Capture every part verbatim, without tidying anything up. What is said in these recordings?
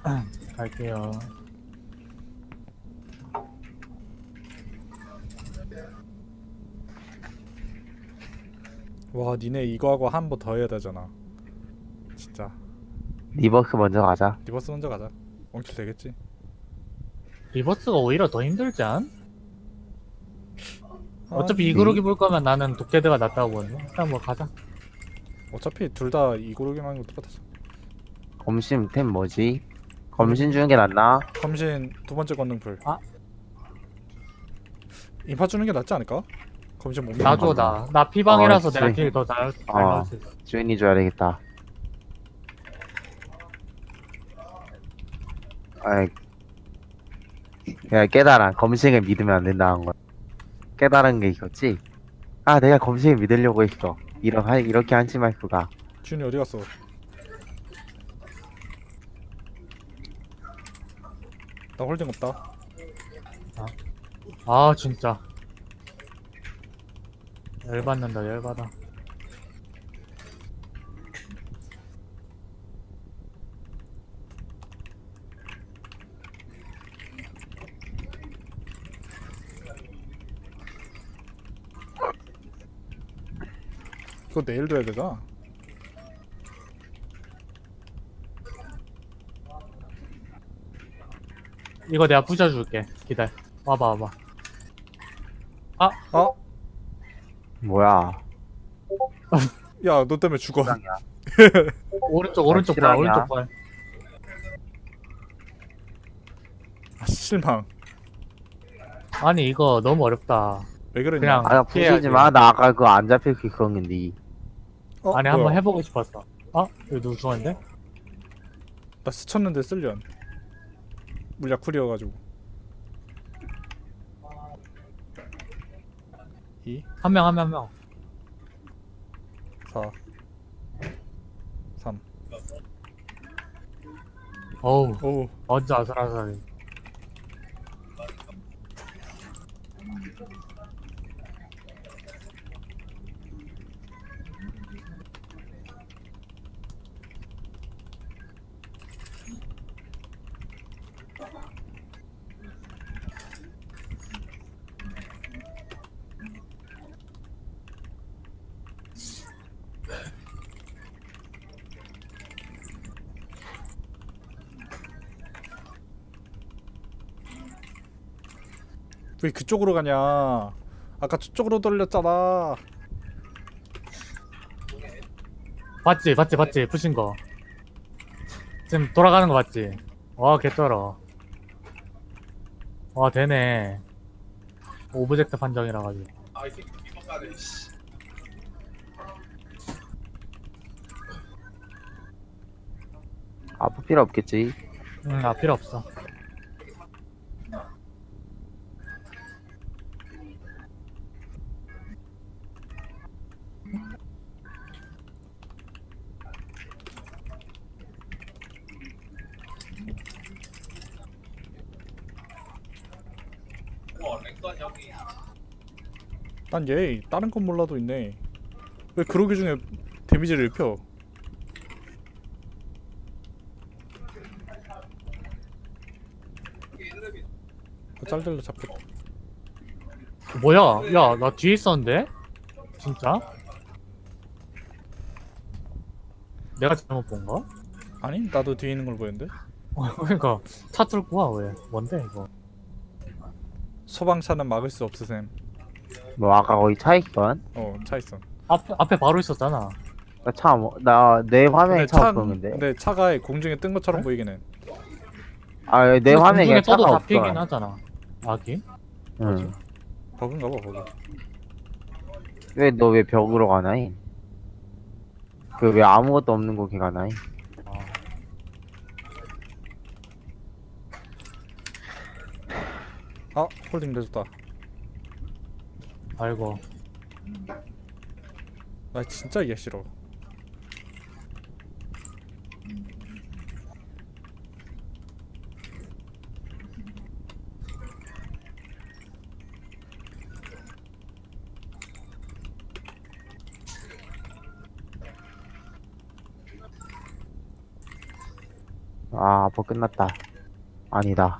갈게요. 와, 니네 이거 하고 한 번 더 해야 되잖아. 진짜. 리버스 먼저 가자. 리버스 먼저 가자. 원킬 되겠지? 리버스가 오히려 더 힘들지 않? 어차피 아니, 이그룹이 볼 거면 나는 독대드가 낫다고 보는데. 일단 뭐 가자. 어차피 둘 다 이고르기만 하는 거 똑같았어. 검신 템 뭐지? 검신 주는 게 낫나? 검신 두 번째 권능풀. 아. 인파 주는 게 낫지 않을까? 검신 못 나 줘, 믿는 거. 나. 나 피방이라서 어, 내가 그치. 딜더잘 잘 어. 넣을 수 있어. 주인이 줘야 되겠다. 아이, 그냥 깨달아. 검신을 믿으면 안 된다는 거. 깨달은 게 있었지? 아, 내가 검신을 믿으려고 했어. 이런, 하- 이렇게 한심할 수가. 준이 어디 갔어? 나 홀딩 없다. 아, 진짜. 열받는다, 열받아. 이거 내일 둬야 되잖아. 이거 내가 부셔줄게. 기다려. 와봐, 와봐. 아, 뭐야. 야, 너 때문에 죽어. 오른쪽, 오른쪽 봐, 실화냐? 오른쪽 봐. 아, 실망. 아니, 이거 너무 어렵다. 왜 그러냐? 그냥 아, 나 부시지 피해야지. 마. 나 아까 그거 안 잡힐 수 있었는데. 어, 아니, 뭐야? 한번 해보고 싶었어. 어? 이거 누구 죽었는데? 나 스쳤는데 쓸련. 물약 쿨이어가지고. 이, 한 명, 한 명, 한 명. 사, 삼. 어우, 오, 완전 아슬아슬하네. 왜 그쪽으로 가냐? 아까 저쪽으로 돌렸잖아. 봤지, 봤지, 봤지, 부신 거. 지금 돌아가는 거 봤지? 와, 개쩔어. 와, 되네. 오브젝트 판정이라 가지고. 아플 필요 없겠지. 응, 아, 필요 없어. 난 얘 다른 건 몰라도 있네. 왜 그러기 중에 데미지를 입혀? 그 짤들로 잡겠다. 뭐야? 야, 나 뒤에 있었는데? 진짜? 내가 잘못 본가? 아니, 나도 뒤에 있는 걸 보였는데. 그러니까 차 뚫고 와, 왜? 뭔데 이거? 소방차는 막을 수 없으셈. 뭐, 아까 거기 차 있건? 어, 차 있어. 앞에 앞에 바로 있었잖아. 나 차, 뭐, 나, 내 화면에 근데 차 차, 없었는데. 근데 차가 공중에 뜬 것처럼 그래? 보이긴 해. 아, 내 근데 화면에 공중에 그냥 차가 떠도 없어. 잡히긴 하잖아. 아기? 응. 버그인가 봐, 버그. 왜, 너 왜 벽으로 가나이? 그, 왜 아무것도 없는 곳에 가나이? 아, 홀딩 내줬다. 아이고. 나 진짜 이해 싫어. 아, 뭐 끝났다. 아니다.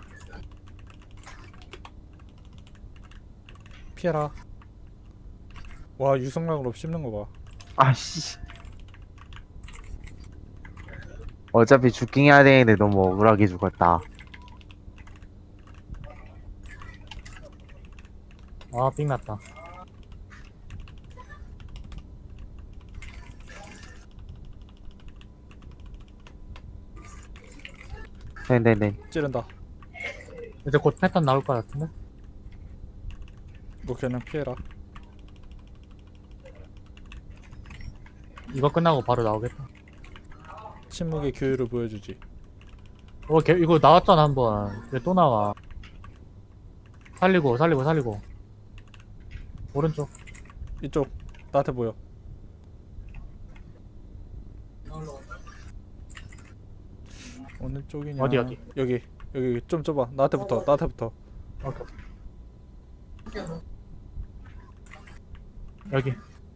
피해라. 와 유성락으로 씹는 거 봐. 아씨. 어차피 죽긴 해야 되는데 너무 억울하게 죽었다. 아, 삥 났다. 네네네. 찌른다. 이제 곧 패턴 나올 것 같은데? 너 그냥 피해라. 이거 끝나고 바로 나오겠다. 침묵의 교율을 보여주지. 어, 걔, 이거 나왔잖아, 한 번. 왜 또 나와? 살리고, 살리고, 살리고. 오른쪽. 이쪽 나한테 보여. 어느 쪽이냐? 어디, 어디? 여기 여기 좀 좁아. 나한테 붙어. 나한테 붙어. 오케이. 여기.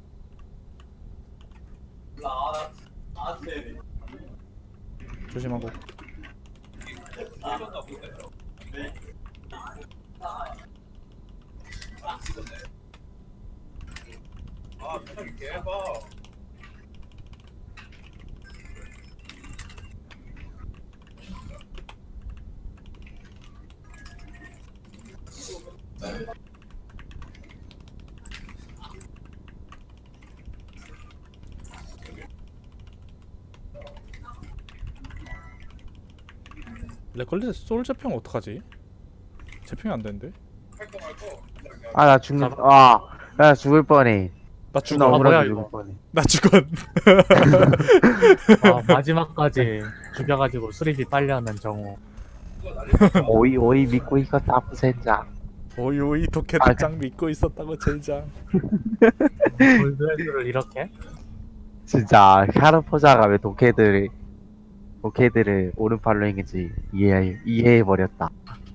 조심하고. 렉걸리드 소울 재평 어떡하지? 재평이 안 되는데? 아, 나 죽는, 아, 나 죽을 뻔해. 나 나 죽어. 아, 뭐야, 억울하게 이거. 죽을 뻔해. 나 죽어. 아, 마지막까지 죽여가지고 수리비 빨려하는 정우. 오이, 오이 믿고 있었다, 부센자. 오이 오이 아, 독해도장 믿고 있었다고 젠장. 골드헤드를 이렇게? 진짜, 샤르포자가 왜 독해들을, 독해들을 오른팔로 했는지 이해, 이해해버렸다.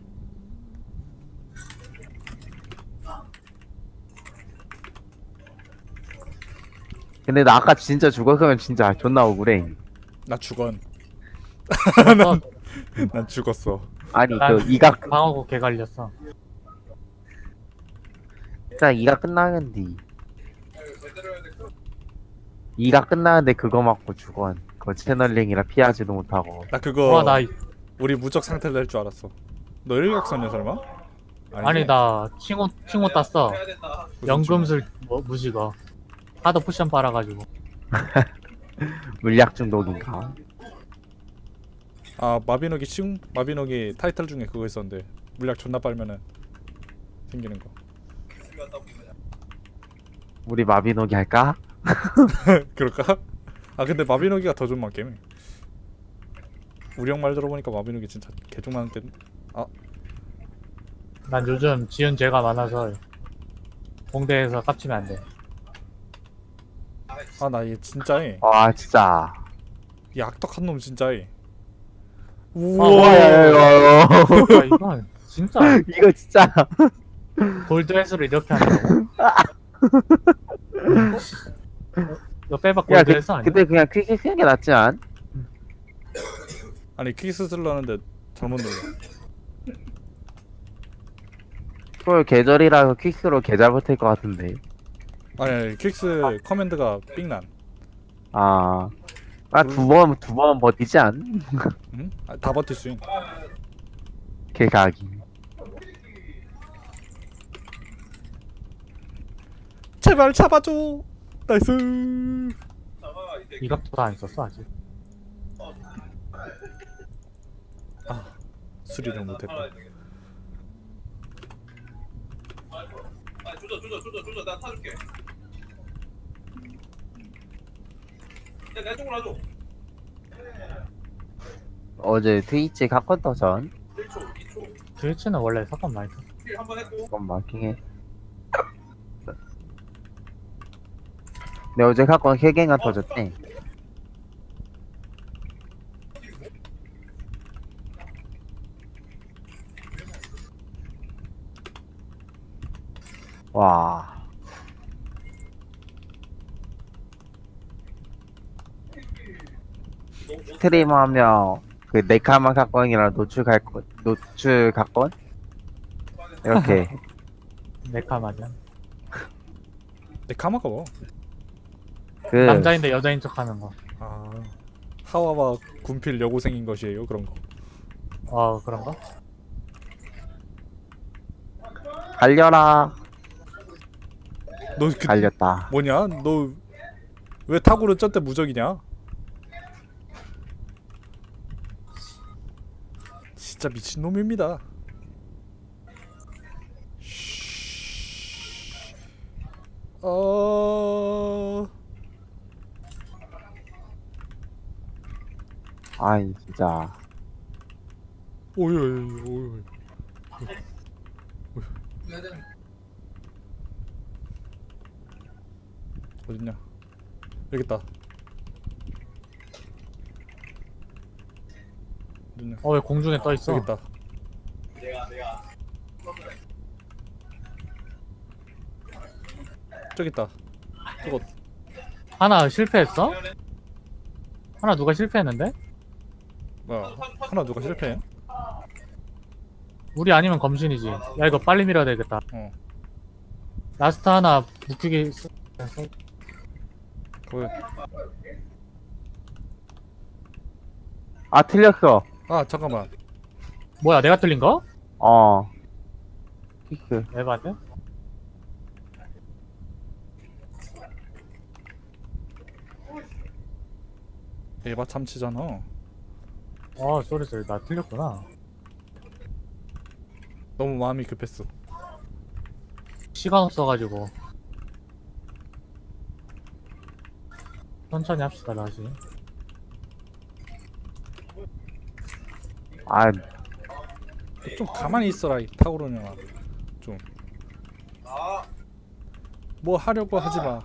근데 나 아까 진짜 죽었으면 진짜 존나 억울해. 나 죽언. 난 난 죽었어. 아니, 난- 그, 이가, 방어구 개 갈렸어. 진짜 이가 끝나는데. 이가 끝나는데 그거 맞고 죽어. 그거 채널링이라 피하지도 못하고. 나 그거 와, 나, 우리 무적 상태를 낼 줄 알았어. 너 일각선이야 설마? 아니, 나 칭호, 칭호 땄어. 무슨 연금술 뭐, 무시거. 하도 쿠션 빨아가지고. 물약 중독인가? 아 마비노기 치 마비노기 타이틀 중에 그거 있었는데 물약 존나 빨면은 생기는 거. 우리 마비노기 할까? 그럴까? 아 근데 마비노기가 더 좋은 게임이. 우리 형 말 들어보니까 마비노기 진짜 개종많은 게. 난 요즘 지은 죄가 많아서 공대에서 깝치면 안 돼. 아나 얘 진짜해. 와, 진짜. 이 악덕한 놈 진짜해. 아, 우와. 뭐야, 야, 이거. 야, 이건 진짜 이거 진짜. 골드헤드를 이렇게 한다고? 이거 빼박 야, 그, 골드헤드 아니야? 근데 그냥 퀵 쓰는 게 낫지 않? 아니 퀵스 쓰려는데 잘못 눌러. 그 계절이라서 퀵스로 계절 버틸 것 같은데. 아니, 아니 퀵스 커맨드가 삥난. 아. 아, 두 번, 두 번 버티지 않? 응? 아, 다 버틸 수 있. 개가기. 제발 잡아줘. 나이스. 이각도 다 안 썼어 아직. 아 수리를 못했다. 아 조져 조져 조져 조져 나 타줄게. 야내 쪽으로 와줘. 어제 트위치 갓건 터전. 일 초 이 초 트위치는 원래 사건 많이 썼어. 킬 한 번 했고. 이건 마킹해. 근데 어제 갓건 세 개가 터졌대. 와. 스트리머 하면 그 네카마 사건이랑 노출 갈건 노출 사건 이렇게 네카 맞아. 내 카마가 뭐? 그 남자인데 여자인 척하는 거. 아 하와와 군필 여고생인 것이에요 그런 거. 어 그런가? 달려라 너 그 달렸다. 뭐냐? 너 왜 타구를 쩐때 무적이냐? 진짜 미친 놈입니다. 어 아이 진짜 오이 오이 오이 어딨냐? 여기 있다. 어딨냐? 어 왜 공중에 떠 있어? 여기 있다. 내가 내가 저기 있다. 저거 하나 실패했어? 하나 누가 실패했는데? 뭐야? 하나 누가 실패해? 우리 아니면 검신이지. 야 이거 빨리 밀어야 되겠다. 어. 라스트 하나 묵히기. 쓰- 거기. 아 틀렸어. 아 잠깐만. 뭐야 내가 틀린 거? 어 키크 에반데? 에바 참치잖아. 어 쏘리 쏘리 나 틀렸구나. 너무 마음이 급했어. 시간 없어가지고 천천히 합시다 다시. 아 좀 가만히 있어라 이 타오르냐마. 좀. 뭐 하려고 하지 마.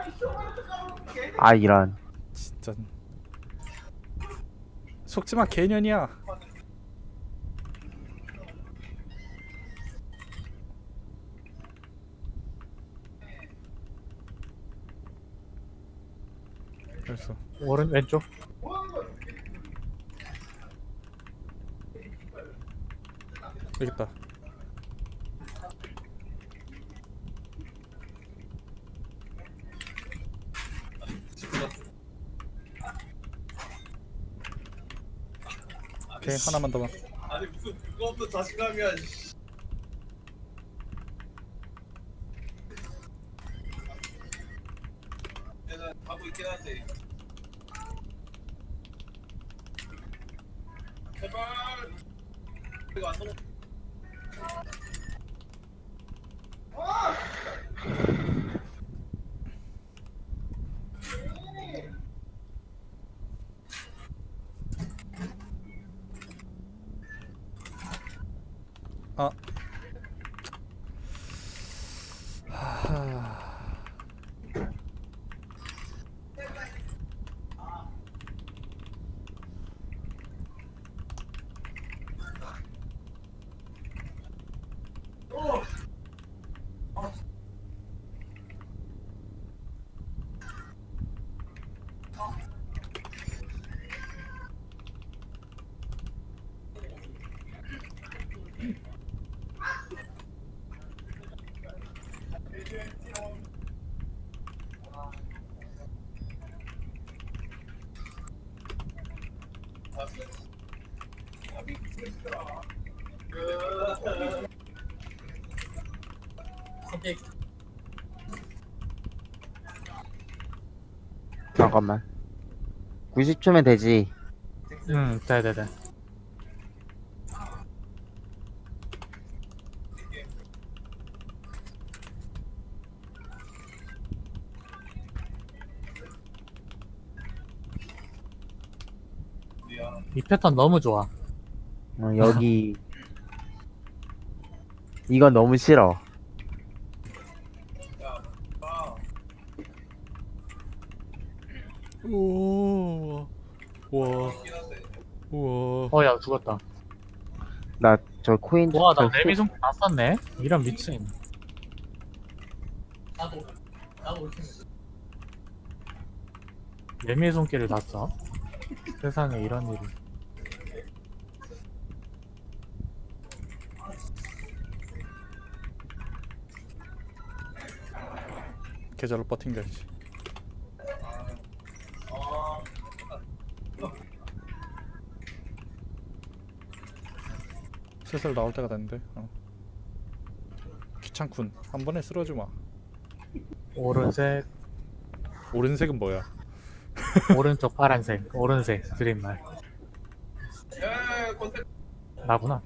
아 이런 진짜. 속지 마 개년이야. 됐어. 오른 왼쪽. 여기 있다. 오케이 하나만 더만. 아니 무슨 그거 없는 자신감이야. 씨. 내가 하고 있긴 한데. 제발. 이거 안 넘어. 아. 하하. 잠깐만 구십 초면 되지. 응 돼돼돼. 이 패턴 너무 좋아. 어, 여기 이건 너무 싫어. 우와. 우와. 우와. 어 야 죽었다. 나 저 코인 와 나 저 레미 손다 썼네. 이런 미친. 레미의 손길을 다 써? 세상에 이런 일이. 계절로 버틴겨야지. 슬슬 나올 때가 됐는데. 어. 귀찮군. 한 번에 쓰러지 마. 오른색, 오른색은 뭐야? 오른쪽 파란색, 오른색 드림말. 야 컨텐츠 나구나.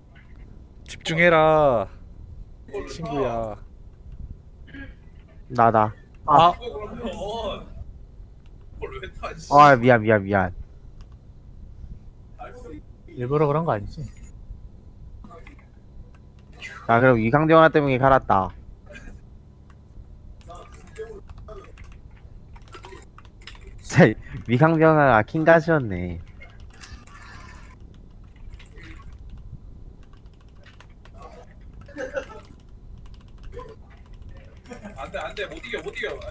집중해라, 친구야. 나다. 아, 그러면 그걸 왜 타? 씨. 아 미안 미안 미안. 일부러 그런 거 아니지? 자 그럼 위강정화 때문에 갈았다. 자 위강정화가 킹가시였네. 안돼 안돼 못 이겨 못 이겨.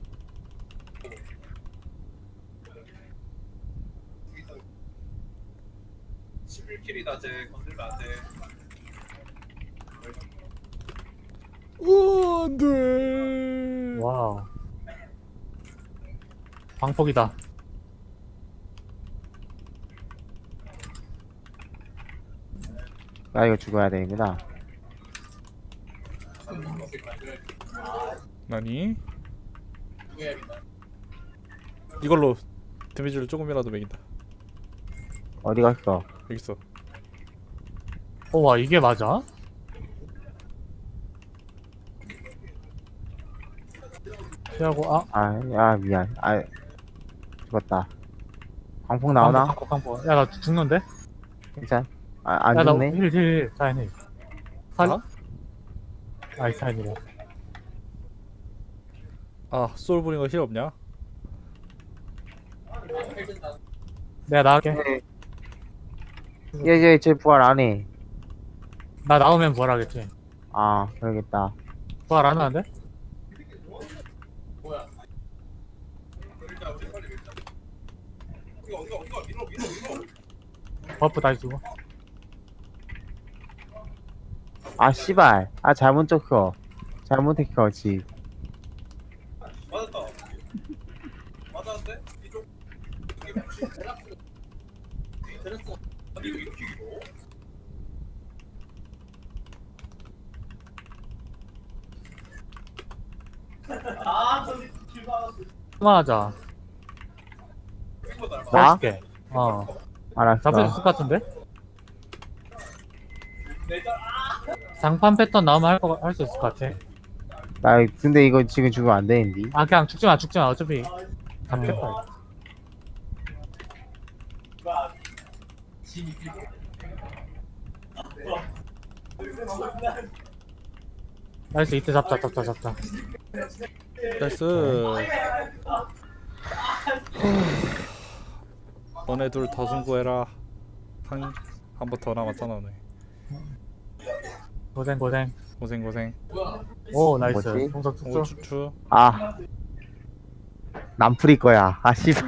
십일 킬이다 쟤 건들면 안돼. 우 안돼. 와우. 광폭이다. 나 이거 죽어야 되는구나. 나니? 이걸로 데미지를 조금이라도 매긴다. 어디 갔어? 여기 있어. 어, 와, 이게 맞아? 피하고, 아, 아 야 미안. 아 죽었다. 광폭 나오나? 광폭, 광폭. 야, 나 죽는데? 괜찮? 아안 야, 나 죽네. 힐, 힐, 힐. 사인 힐. 살, 아? 아이, 사인이래. 아 소울브링어 힐 없냐? 내가 나갈게. 얘얘 쟤 부활 안 해. 나 나오면 부활하겠지. 아 그러겠다. 부활 안 하는데? 어디가 어디가 어디가 밀어 밀어 밀어. 버프 다시 주고. 아 씨발. 아 잘못 쳤어. 잘못했어 지. 맞았다. 맞았는데 이쪽. 이게 혹시 테라스? 아니 이거 이렇게 길어? 그만하자. 이거 날 봐. 나? 맛있게. 어. 알았어. 잡을 수 있을 것 같은데? 장판 패턴 나오면 할 거, 할 수 있을 것 같아. 나 근데 이거 지금 죽으면 안 되는데. 아, 그냥 죽지 마, 죽지 마. 어차피 잡겠다. 이거. 나이스, 이때 잡자, 잡자, 잡자. 나이스. 너네 둘 더 승부해라. 한 한 번 더 남았잖아 너네. 고생, 고생. 고생 고생. 오, 나이스. 뭐지? 동석 오 쭉쭉. 추추. 아 남풀이 거야. 아 씨발.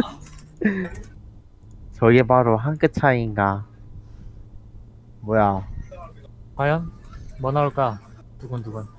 저게 바로 한 끗 차이인가. 뭐야. 과연? 뭐 나올까? 두근두근.